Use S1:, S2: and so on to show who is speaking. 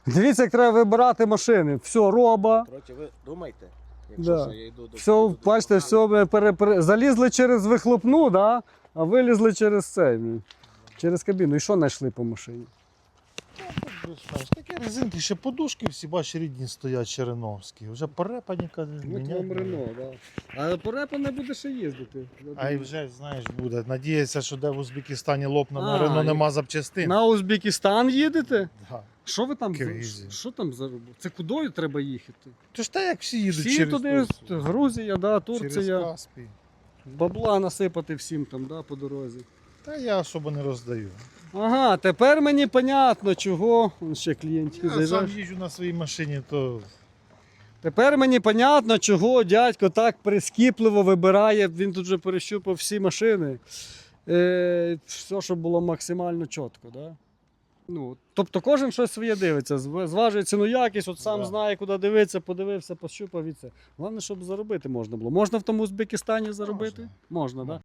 S1: Дивіться, як треба вибирати машини. Все, роба.
S2: Коротше, ви думайте, якщо
S1: Да.
S2: що, я йду до...
S1: Все, бачите, все, ми залізли через вихлопну, да? А вилізли через цей, через кабіну. І що знайшли по машині?
S3: Такі резинки, ще подушки всі, бачиш, рідні стоять череновські. Вже порепаніка.
S1: да. А порепа не буде ще їздити.
S3: А й вже, знаєш, буде. Надіється, що де в Узбекистані лопне,
S1: А,
S3: на Рено
S1: і-
S3: нема запчастин.
S1: На Узбекистан їдете?
S3: Да.
S1: Що ви там?
S3: Киргизія.
S1: Що там за робота? Це кудою треба їхати?
S3: То ж так, як всі їдуть
S1: Всі
S3: через
S1: туди,
S3: Турцію.
S1: Грузія, да,
S3: Через
S1: Турція.
S3: Каспій.
S1: Бабла насипати всім там, да, по дорозі.
S3: Та я особо не роздаю.
S1: Ага, тепер мені понятно, чого. Вон ще клієнтики
S3: Я сам
S1: заїжджають.
S3: їжджу на своїй машині, то
S1: Тепер мені понятно, чого дядько так прискіпливо вибирає. Він тут вже перещупав всі машини. Все, щоб було максимально чітко. Да? Ну, тобто кожен щось своє дивиться, зважує ціну якість, от сам
S3: Да.
S1: знає, куди дивитися, подивився, пощупав і це. Головне, щоб заробити можна було. Можна в тому Узбекистані заробити? Можна, так? Да?